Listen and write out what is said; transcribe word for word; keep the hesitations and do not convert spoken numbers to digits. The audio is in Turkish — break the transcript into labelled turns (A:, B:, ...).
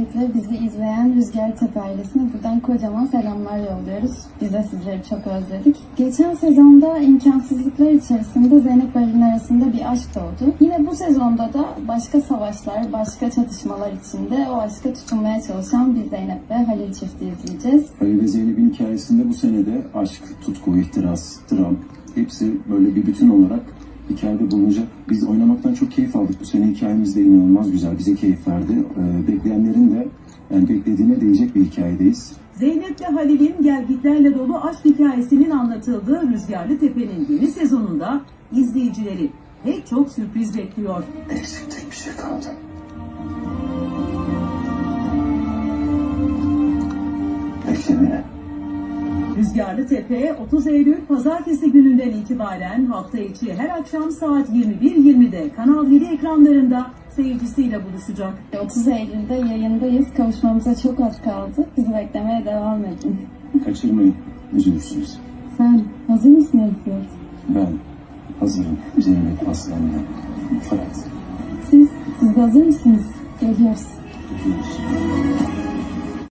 A: Öncelikle bizi izleyen Rüzgar Tepe ailesine buradan kocaman selamlar yolluyoruz. Biz de sizleri çok özledik. Geçen sezonda imkansızlıklar içerisinde Zeynep ve Halil'in arasında bir aşk doğdu. Yine bu sezonda da başka savaşlar, başka çatışmalar içinde o aşka tutunmaya çalışan bir Zeynep ve Halil çifti izleyeceğiz.
B: Halil ve Zeynep'in hikayesinde bu senede aşk, tutku, ihtiras, dram hepsi böyle bir bütün olarak hikayede bulunacak. Biz oynamaktan çok keyif aldık. Bu sene hikayemiz de inanılmaz güzel. Bize keyif verdi. Ee, bekleyenlerin de yani beklediğine değecek bir hikayedeyiz.
C: Zeynep ve Halil'in gelgitlerle dolu aşk hikayesinin anlatıldığı Rüzgarlı Tepe'nin yeni sezonunda izleyicileri pek çok sürpriz bekliyor.
B: Eksik tek bir şey kaldı. Beklemeye.
C: Rüzgarlı Tepe otuz Eylül Pazartesi gününden itibaren hafta içi her akşam saat yirmi bir yirmide Kanal yedi ekranlarında seyircisiyle buluşacak.
A: otuz Eylül'de yayındayız. Kavuşmamıza çok az kaldı. Bizi beklemeye devam edin.
B: Kaçırmayın. Üzülürsünüz.
A: Sen hazır mısın Elifiyat?
B: Ben hazırım. Zeynep, Aslan'la. Fırat.
A: Siz, siz de hazır mısınız? Geliyoruz.
B: Gidiyoruz.